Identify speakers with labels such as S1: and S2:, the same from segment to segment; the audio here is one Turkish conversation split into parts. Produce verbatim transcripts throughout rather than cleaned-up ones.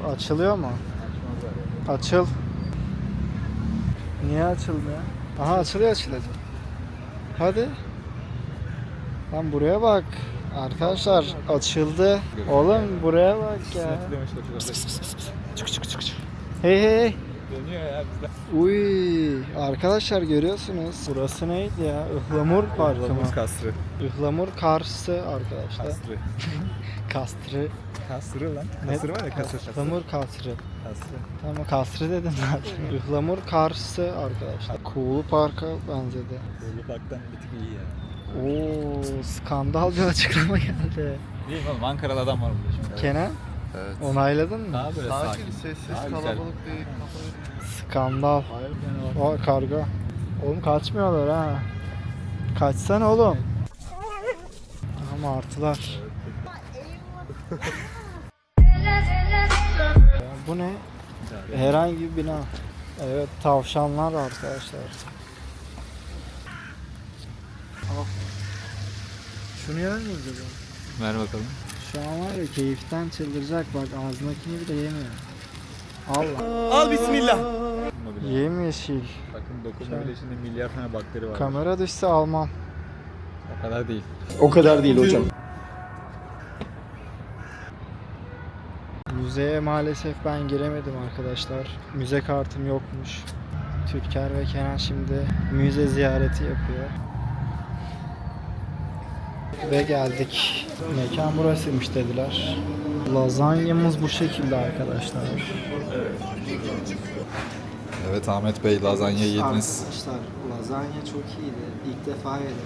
S1: Açılıyor mu? Açıl. Niye açılmıyor? Aha açılıyor açılıyor. Hadi. Lan buraya bak. Arkadaşlar açıldı. Oğlum buraya bak ya. Çık çık çık çık. Hey hey hey.
S2: Dönüyor ya bizden.
S1: Uy arkadaşlar görüyorsunuz. Burası neydi ya? Ihlamur Parkı mı?
S2: Ihlamur Kasrı.
S1: Ihlamur Karşı arkadaşlar.
S2: Kasrı.
S1: Kasrı.
S2: Kasrı lan.
S1: Ne?
S2: Kasrı var ya kasrı.
S1: Ihlamur Kasrı.
S2: Kasrı.
S1: Tamam kasrı dedim zaten. Ihlamur Karşı arkadaşlar. Kuğulu Park'a benzedi.
S2: Bolu Park'tan bir tık iyi ya.
S1: Oo skandal bir açıklama geldi.
S2: Değil mi oğlum? Ankara'da adam var burada şimdi.
S1: Kenan
S3: Evet.
S1: onayladın mı?
S2: Daha böyle sakin.
S3: Sakin, sessiz,
S2: Daha güzel.
S3: kalabalık değil.
S1: Skandal.
S2: Hayır yani o.
S1: O karga. Oğlum kaçmıyorlar ha. Kaçsana oğlum. Ama martılar. Bu ne? Herhangi bir bina. Evet tavşanlar arkadaşlar. Al. Şunu yer miyiz acaba?
S2: Ver bakalım.
S1: Şu an var ya keyiften çıldıracak bak ağzındakini bile yemiyor. Allah.
S3: Al bismillah.
S1: Yemyeşil.
S2: Bakın dokunma bile içinde milyar tane bakteri var.
S1: Kamera düşse almam.
S2: O kadar değil.
S3: O kadar değil hocam.
S1: Müzeye maalesef ben giremedim arkadaşlar. Müze kartım yokmuş. Türker ve Kenan şimdi müze ziyareti yapıyor. Ve geldik. Mekan burasıymış dediler. Lazanyamız bu şekilde arkadaşlar.
S2: Evet Ahmet Bey lazanya yediniz.
S1: Arkadaşlar lazanya çok iyiydi. İlk defa yedim.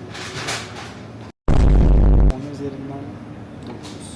S1: Onun üzerinden dokuz.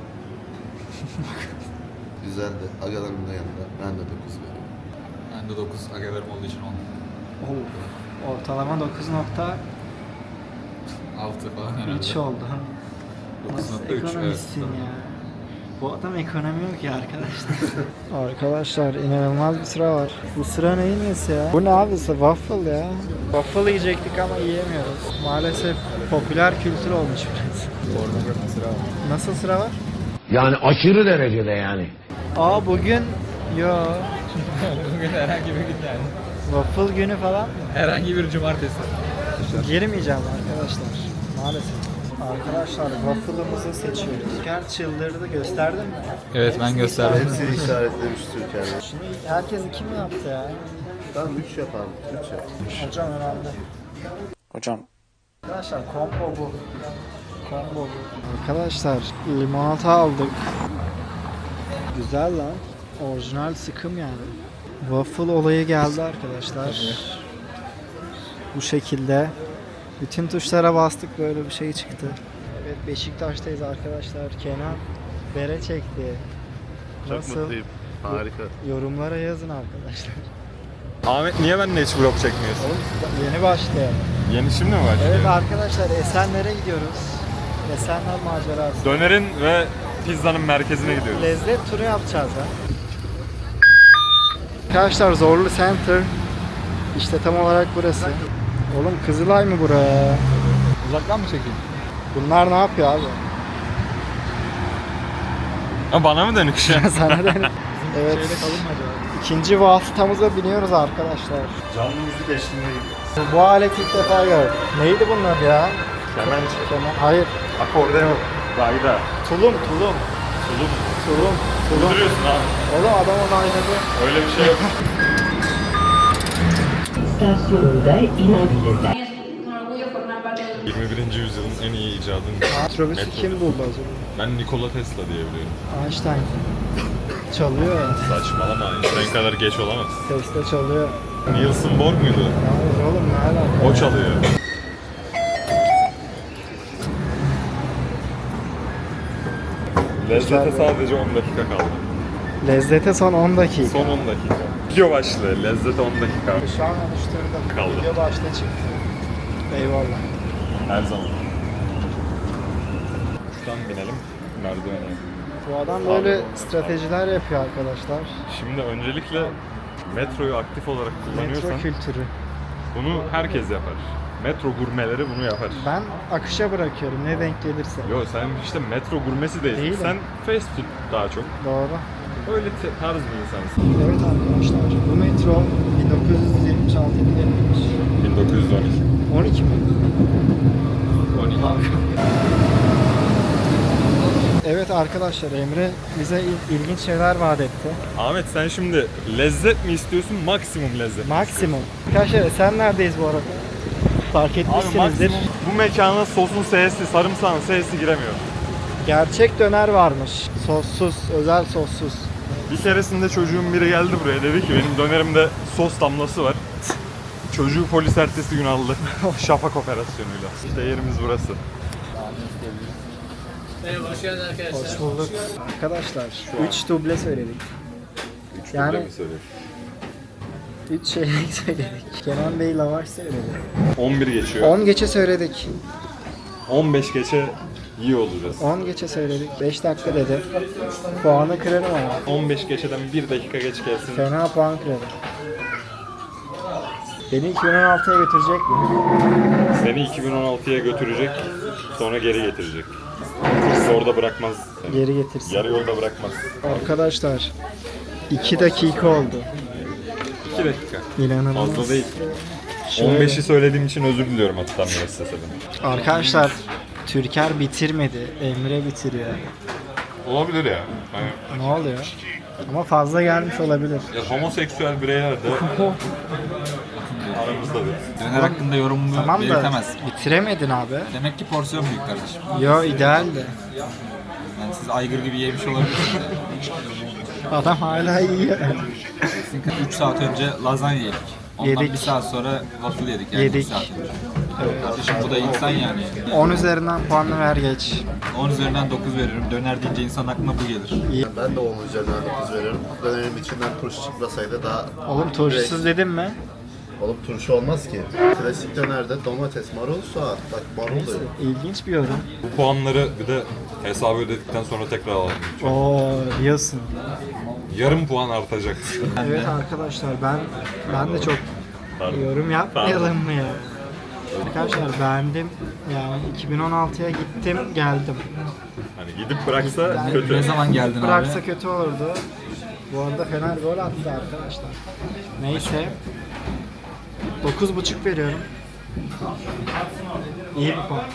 S3: Güzeldi. Agalarım da yanında. Ben de dokuz veriyorum.
S2: Ben de dokuz agalarım olduğu için on.
S1: Oo. Ortalama dokuz nokta
S2: altı falan herhalde.
S1: üç oldu.
S2: dokuz
S1: Nasıl
S2: nokta üç,
S1: ekonomistsin
S2: evet.
S1: ya? Bu adam ekonomi yok ya arkadaşlar. Arkadaşlar inanılmaz bir sıra var. Bu sıra neyin nesi ya? Bu ne abi? Waffle ya. Waffle yiyecektik ama yiyemiyoruz. Maalesef popüler kültür olmuş biraz.
S2: Pornografi sıra var.
S1: Nasıl sıra var?
S4: Yani aşırı derecede yani.
S1: Aa bugün yo
S2: Bugün herhangi bir gün yani.
S1: waffle günü falan mı?
S2: Herhangi bir cumartesi.
S1: Girmeyeceğim arkadaşlar. Maalesef. Arkadaşlar waffle'ımızı seçiyoruz. Türker çıldırdı gösterdin mi?
S2: Evet ben gösterdim.
S3: Hepsini işaretlemiş Türkiye'de.
S1: Şunu herkes kim yaptı ya?
S3: Tamam üç yapalım. üç yap.
S1: Hocam herhalde. Hocam. Arkadaşlar combo bu. Combo bu. Arkadaşlar limonata aldık. Güzel lan. Orijinal sıkım yani. Waffle olayı geldi arkadaşlar. Bu şekilde. Bütün tuşlara bastık böyle bir şey çıktı. Evet Beşiktaş'tayız arkadaşlar. Kenan bere çekti.
S3: Çok
S1: Nasıl?
S3: mutluyum. Harika.
S1: Yorumlara yazın arkadaşlar.
S5: Ahmet niye benimle hiç vlog çekmiyorsun?
S1: Oğlum yeni başlayalım.
S5: Yeni şimdi mi başlıyor?
S1: Evet arkadaşlar Esenler'e gidiyoruz. Esenler macerası.
S5: Dönerin ve pizzanın merkezine gidiyoruz.
S1: Lezzet turu yapacağız ha. Arkadaşlar Zorlu Center. İşte tam olarak burası. Oğlum Kızılay mı buraya?
S2: Uzaktan mı çekeyim?
S1: Bunlar ne yapıyor abi?
S5: Ha, bana mı dönük şu an?
S1: Sana da. Evet.
S2: Şeyde kalın mı acaba?
S1: İkinci vasıtamıza biniyoruz arkadaşlar.
S3: Canlı müzik eşliğinde
S1: Bu alet ilk defa gördüm. Neydi bunlar ya?
S5: Kemençe,
S1: Keman. Hayır.
S5: akordeon, gayda.
S1: Tulum, tulum.
S5: Tulum.
S1: Tulum, tulum.
S5: Duruyorsun abi.
S1: Oğlum adam onu oynadı.
S5: Öyle bir şey yok.
S6: istasyonunda inebilirler.
S5: yirmi birinci yüzyılın en iyi icadını.
S1: Metrobüsü
S5: Metrobüs.
S1: kim buldu acaba?
S5: Ben Nikola Tesla diye biliyorum.
S1: Einstein. Çalıyor ya.
S5: Saçmalama, Einstein kadar geç olamaz.
S1: Tesla çalıyor.
S5: Nielsen Bohr muydu?
S1: Yalnız oğlum ne alaka?
S5: O çalıyor. Lezzete sadece on dakika kaldı.
S1: Lezzete son on dakika.
S5: Son on dakika. Video başlığı, lezzete on dakika.
S1: Şu an oluşturdum.
S5: Kaldı.
S1: Video başta çıktı. Eyvallah.
S5: Her zaman. Şuradan binelim, merdivene.
S1: Bu adam böyle stratejiler yapıyor arkadaşlar.
S5: Şimdi öncelikle metroyu aktif olarak kullanıyorsan
S1: Metro kültürü.
S5: bunu herkes yapar. Metro gurmeleri bunu yapar.
S1: Ben akışa bırakıyorum ne denk gelirse.
S5: Yo sen işte metro gurmesi değilsin.
S1: Değilim.
S5: Sen fast food daha çok.
S1: Doğru.
S5: Öyle te- tarz bir insansın.
S1: Evet arkadaşlar, bu metro bin dokuz yüz yetmiş altıda yapılmış.
S5: bin dokuz yüz on iki.
S1: on iki mi?
S5: on iki.
S1: Evet arkadaşlar, Emre bize il- ilginç şeyler vaat etti.
S5: Ahmet sen şimdi lezzet mi istiyorsun, maksimum lezzet?
S1: Maksimum. Arkadaşlar sen neredeyiz bu arada? Fark
S5: Abi
S1: etmişsinizdir.
S5: maksimum bu mekana sosun sesi, sarımsağın sesi giremiyor.
S1: Gerçek döner varmış. Sossuz, özel sossuz.
S5: Bir keresinde çocuğun biri geldi buraya, dedi ki benim dönerimde sos damlası var. Çocuğu polis ertesi gün aldı. Şafak operasyonuyla. İşte yerimiz burası.
S1: Hoş bulduk. Arkadaşlar üç duble söyledik.
S5: Üç
S1: Yani-
S5: duble mi söylüyorsun?
S1: üç şeylik söyledik. Kenan Bey lavaş söyledi.
S5: on bir geçiyor.
S1: on geçe söyledik.
S5: on beş geçe iyi olacağız.
S1: on geçe söyledik. beş dakika dedi. Puanı kırarım ama.
S5: on beş geçeden bir dakika geç gelsin.
S1: Fena puan kırarım. Beni iki bin on altıya götürecek mi?
S5: Seni iki bin on altıya götürecek, sonra geri getirecek. Bizi orada bırakmaz seni.
S1: Geri getirsin.
S5: Yarı yolda bırakmaz.
S1: Arkadaşlar iki dakika oldu.
S5: iki dakika.
S1: İnanılmaz.
S5: Fazla değil.
S1: Şöyle-
S5: on beşi söylediğim için özür diliyorum hatta müesseseden.
S1: Arkadaşlar Türker bitirmedi. Emre bitiriyor.
S5: Olabilir ya. Hani,
S1: Ne oluyor? Ama fazla gelmiş olabilir.
S5: ya homoseksüel bireyler de aramızdadır.
S2: Döner hakkında yorumumu
S1: Tamam da
S2: belirtemez.
S1: bitiremedin abi.
S2: Demek ki porsiyon büyük kardeşim.
S1: Yo idealdi.
S2: Yani siz aygır gibi yemiş olabilirsiniz.
S1: Adam hala yiyor.
S2: üç saat önce lazanya yedik. Ondan
S1: Yedik.
S2: bir saat sonra waffle yedik yani
S1: Yedik.
S2: bir saat önce. Kardeşim bu da insan yani.
S1: on üzerinden puanını ver geç.
S2: on üzerinden dokuz veririm. Döner deyince insan aklına bu gelir.
S3: Ben de onun üzerinden dokuz veriyorum. Dönerin içinden turşu çıkmasaydı daha...
S1: Oğlum turşusuz dedim mi?
S3: Oğlum turşu olmaz ki. Klasik dönerde domates, marul, soğan. Bak marul da yok.
S1: İlginç bir yorum.
S5: Bu puanları bir de hesabı ödedikten sonra tekrar alalım.
S1: Oo diyorsun.
S5: Yarım puan artacak.
S1: Evet arkadaşlar ben ben de çok
S5: Pardon.
S1: yorum yapmayalım mı ya? Arkadaşlar beğendim. Yani iki bin on altıya gittim geldim.
S5: Hani gidip bıraksa
S2: Ne,
S5: kötü.
S2: ne zaman geldin
S1: Bıraksa
S2: abi?
S1: kötü olurdu. Bu arada Fener gol attı arkadaşlar. Neyse. dokuz buçuk veriyorum. İyi bir puan.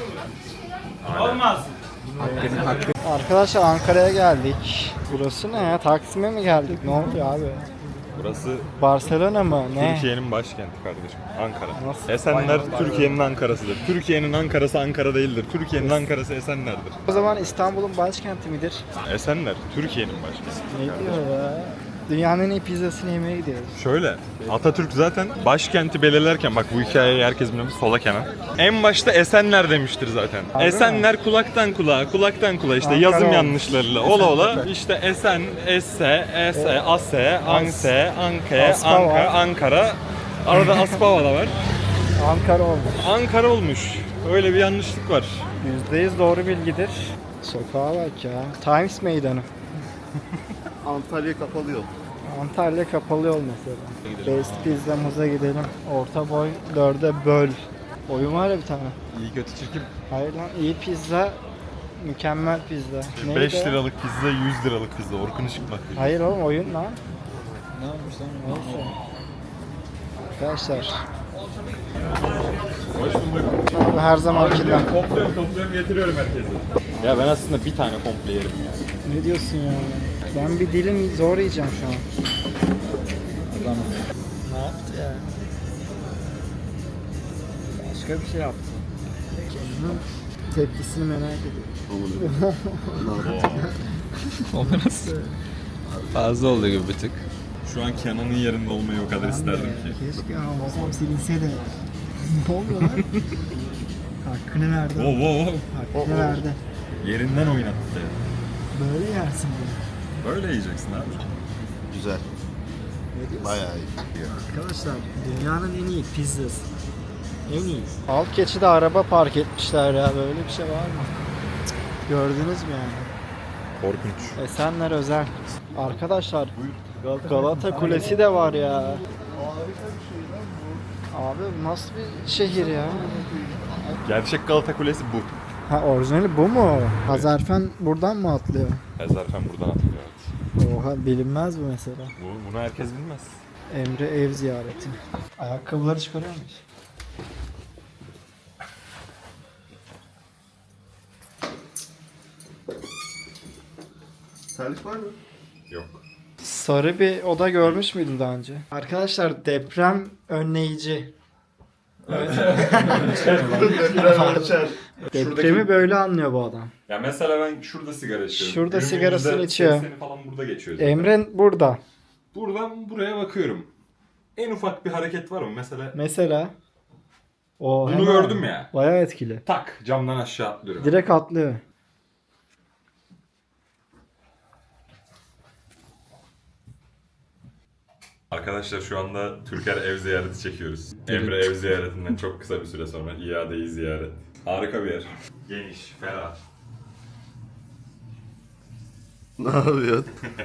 S2: Hakkını, hakkı.
S1: Arkadaşlar Ankara'ya geldik. Burası ne ya? Taksim'e mi geldik? Ne oluyor abi?
S5: Burası
S1: Barcelona mı? Ne?
S5: Türkiye'nin başkenti kardeşim. Ankara.
S1: Nasıl?
S5: Esenler Türkiye'nin Ankara'sıdır. Türkiye'nin Ankara'sı Ankara değildir. Türkiye'nin Ankara'sı Esenler'dir.
S1: O zaman İstanbul'un başkenti midir?
S5: Esenler Türkiye'nin başkenti.
S1: Ne diyor ya? Dünyanın en iyi pizzasını yemeye gidiyoruz.
S5: Şöyle, Atatürk zaten başkenti belirlerken, bak bu hikayeyi herkes bilmemiz, sola kenar. En başta Esenler demiştir zaten.
S1: Harbi
S5: Esenler kulaktan kulağa, kulaktan kulağa işte
S1: Ankara
S5: yazım
S1: olmuş.
S5: yanlışlarıyla ola ola işte Esen, Esse, Ese, Ase, Anse, Anke,
S1: Aspava.
S5: Anka, Ankara. Arada Aspava da var.
S1: Ankara olmuş.
S5: Ankara olmuş. Öyle bir yanlışlık var.
S1: yüzde yüz doğru bilgidir. Sokağa bak ya. Times Meydanı.
S3: Antalya kapalı yol.
S1: Antalya kapalı yol mesela. Best Pizza'mıza gidelim. Orta boy dörde böl. Oyun var ya bir tane.
S5: İyi kötü çirkin.
S1: Hayır lan iyi pizza. Mükemmel pizza. Neydi
S5: beş
S1: o?
S5: liralık pizza, yüz liralık pizza. Orkun Işıkmak.
S1: Hayır oğlum oyun lan.
S2: Ne olmuş lan?
S1: Neyse. Arkadaşlar.
S5: Hoş bulduk.
S1: Abi her zamankinden.
S5: Topluyorum topluyorum getiriyorum herkese. Ya ben aslında bir tane komple yerim yani.
S1: Ne diyorsun ya? Ben bir dilim zor yiyeceğim şu an.
S2: Adam
S1: Ne yaptı ya? Başka bir şey yaptı. Kendinin tepkisini merak ediyorum.
S2: o nasıl? Fazla oldu gibi bir tık.
S5: Şu an Kenan'ın yerinde olmayı o kadar isterdim ki.
S1: Keşke hafızam silinse de. Ne oluyor lan? Hakkını verdi.
S5: Wow wow wow.
S1: Hakkını verdi.
S5: Yerinden oynattı.
S1: Böyle yersin bunu.
S5: Böyle yiyeceksin abi.
S3: Güzel.
S1: Ne diyorsun?
S3: Bayağı iyi.
S1: Arkadaşlar dünyanın en iyi pizzası. En iyi. Alt geçide araba park etmişler ya. Böyle bir şey var mı? Cık, gördünüz mü yani?
S5: Korkunç.
S1: Esenler özel. Arkadaşlar Galata Kulesi de var ya. Abi nasıl bir şehir ya?
S5: Gerçek Galata Kulesi bu.
S1: Ha orijinali bu mu? Hazarfen buradan mı atlıyor?
S5: Ezerfen buradan atılıyor. Evet.
S1: Oha, bilinmez bu mesela.
S5: Bu, bunu herkes bilmez.
S1: Emre ev ziyareti. Ayakkabıları çıkarıyor muyuz?
S3: Terlik var mı?
S5: Yok.
S1: Sarı bir oda görmüş müydün daha önce? Arkadaşlar, deprem önleyici.
S3: Deprem ölçer.
S1: Depremi böyle anlıyor bu adam.
S5: Ya mesela ben şurada sigara içiyorum.
S1: Şurada
S5: Günümün
S1: sigarasını
S5: yüzde
S1: içiyor.
S5: sekseni falan burada geçiyor zaten.
S1: Emre burada.
S5: Buradan buraya bakıyorum. En ufak bir hareket var mı? Mesela
S1: Mesela. O
S5: bunu
S1: hemen
S5: gördüm ya.
S1: Bayağı etkili.
S5: Tak camdan aşağı atlıyorum.
S1: Direkt atlıyor.
S5: Arkadaşlar şu anda Türker ev ziyareti çekiyoruz. Emre ev ziyaretinden çok kısa bir süre sonra iadeyi ziyaret. Harika bir yer. Geniş, ferah.
S3: Ne yapıyorsun?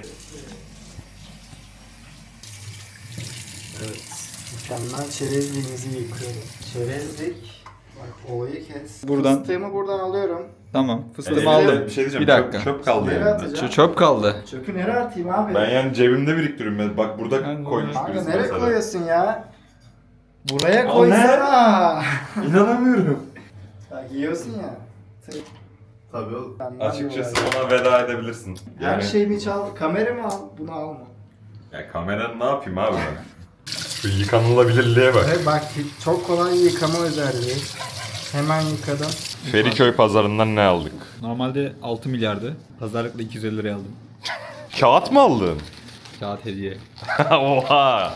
S1: Mükemmel çerezliğimizi yıkıyoruz. Çerezlik. Bak, olayı kes.
S2: Buradan-
S1: Fıstığımı buradan alıyorum.
S2: Tamam. Fıstığımı
S5: Elimde
S2: aldım.
S5: Bir şey diyeceğim.
S2: Bir dakika.
S5: Çöp, çöp kaldı
S1: Nereye
S5: elimde.
S1: atacağım?
S2: Ç- çöp kaldı.
S1: Çöpü nereye atayım abi?
S5: Ben yani cebimde biriktiriyorum. Ben- Bak burada
S2: Ben-
S5: koymuş
S1: Kanka
S5: birisi
S1: nereye
S5: mesela.
S1: koyuyorsun ya? Buraya
S5: Al
S1: koysana.
S5: İnanamıyorum.
S1: Bak, yiyorsun ya.
S3: Tabii oğlum.
S1: Benden
S5: Açıkçası
S1: dolayı.
S5: ona veda edebilirsin.
S1: Her
S5: Yani,
S1: şeyimi çal. Kameramı al. Bunu alma.
S5: ya kameranı ne yapayım abi ben? Şu yıkanılabilirliğe bak.
S1: Evet, bak, çok kolay yıkama özelliği. Hemen yıkadım.
S5: Feriköy pazarından ne aldık?
S2: Normalde altı milyardı. Pazarlıkla iki yüz elli liraya aldım.
S5: Kağıt mı aldın?
S2: Kağıt hediye.
S5: Oha!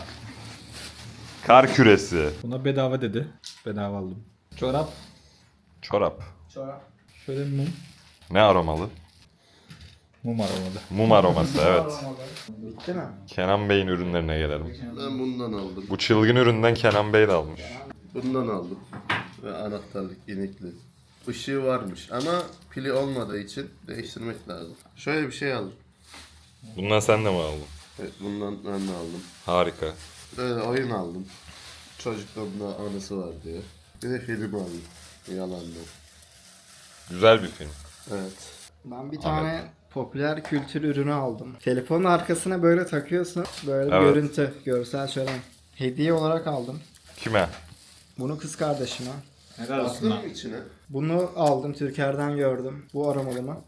S5: Kar küresi.
S2: Buna bedava dedi. Bedava aldım. Çorap.
S5: Çorap.
S1: Çorap.
S2: Şöyle bir mum.
S5: Ne aromalı?
S2: Mum aromalı.
S5: Mum aroması evet.
S1: Bitti mi?
S5: Kenan Bey'in ürünlerine gelelim.
S3: Ben bundan aldım.
S5: Bu çılgın üründen Kenan Bey de almış.
S3: Bundan aldım. Ve anahtarlık inikli. Işığı varmış ama pili olmadığı için değiştirmek lazım. Şöyle bir şey aldım.
S5: Bundan sen de mi aldın?
S3: Evet, bundan ben de aldım.
S5: Harika.
S3: Böyle oyun aldım. Çocukluğumda anısı var diye. Bir de film aldım. Yalandı.
S5: Güzel bir film.
S3: Evet.
S1: Ben bir tane popüler kültür ürünü aldım. Telefonun arkasına böyle takıyorsun. Böyle bir
S5: Evet.
S1: görüntü, görsel şölen. Hediye olarak aldım.
S5: Kime?
S1: Bunu kız kardeşime.
S2: Helal
S3: Attın mı içine?
S1: Bunu aldım, Türker'den gördüm. Bu aramalı mı?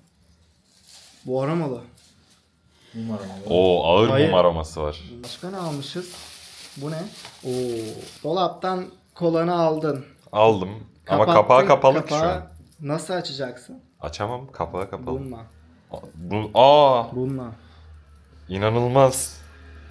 S1: Bu aramalı.
S2: Mum aromalı.
S5: Oo ağır
S1: Hayır.
S5: mum aroması var.
S1: Başka ne almışız? Bu ne? Oo. Dolaptan kolanı aldın.
S5: Aldım. Ama
S1: Kapattın,
S5: kapağı kapalı ki şu
S1: kapağı
S5: an.
S1: nasıl açacaksın?
S5: Açamam. Kapağı kapalı.
S1: Bununla.
S5: Bu, aa
S1: Bununla.
S5: inanılmaz.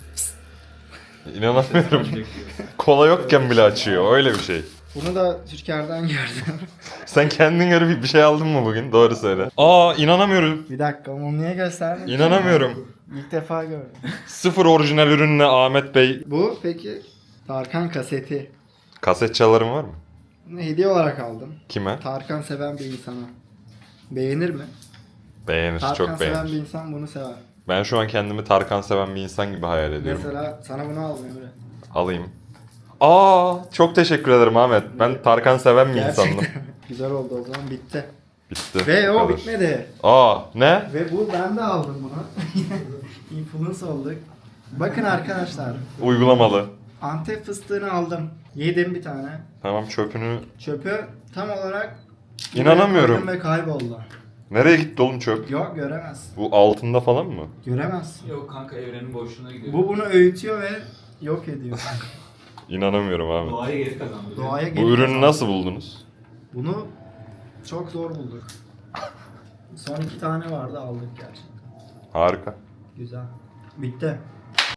S5: İnanamıyorum. Kola yokken bile açıyor. Öyle bir şey.
S1: Bunu da Türker'den gördüm.
S5: Sen kendin göre bir bir şey aldın mı bugün? Doğru söyle. Aa inanamıyorum.
S1: Bir dakika, onu niye gösterdin?
S5: İnanamıyorum.
S1: İlk defa gördüm.
S5: Sıfır orijinal ürünle Ahmet Bey.
S1: Bu peki Tarkan kaseti.
S5: Kaset çalarım var mı?
S1: Bunu hediye olarak aldım.
S5: Kime?
S1: Tarkan seven bir insana. Beğenir mi?
S5: Beğenir.
S1: Tarkan
S5: Çok
S1: seven
S5: beğenir.
S1: bir insan bunu sever.
S5: Ben şu an kendimi Tarkan seven bir insan gibi hayal ediyorum.
S1: Mesela sana bunu aldım Emre.
S5: Alayım. Aa çok teşekkür ederim Ahmet. Ben Tarkan seven bir insandım.
S1: Gerçekten. Güzel oldu, o zaman bitti.
S5: Bitti.
S1: Ve
S5: bu
S1: o
S5: kadar.
S1: bitmedi.
S5: Aa ne?
S1: Ve bu, ben de aldım bunu. Influence olduk. Bakın arkadaşlar.
S5: Uygulamalı.
S1: Antep fıstığını aldım. Yedim bir tane.
S5: Tamam çöpünü...
S1: Çöpü tam olarak
S5: İnanamıyorum.
S1: koydum ve kayboldu.
S5: Nereye gitti oğlum çöp?
S1: Yok, göremez.
S5: Bu altında falan mı?
S1: Göremez.
S2: Yok kanka, evrenin boşluğuna gidiyor.
S1: Bu bunu öğütüyor ve yok ediyor.
S5: İnanamıyorum abi.
S2: Doğaya geri kazandı.
S1: Doğaya
S5: Bu
S1: geri
S5: ürünü
S1: kazandı.
S5: nasıl buldunuz?
S1: Bunu çok zor bulduk. Son iki tane vardı, aldık gerçekten.
S5: Harika.
S1: Güzel. Bitti.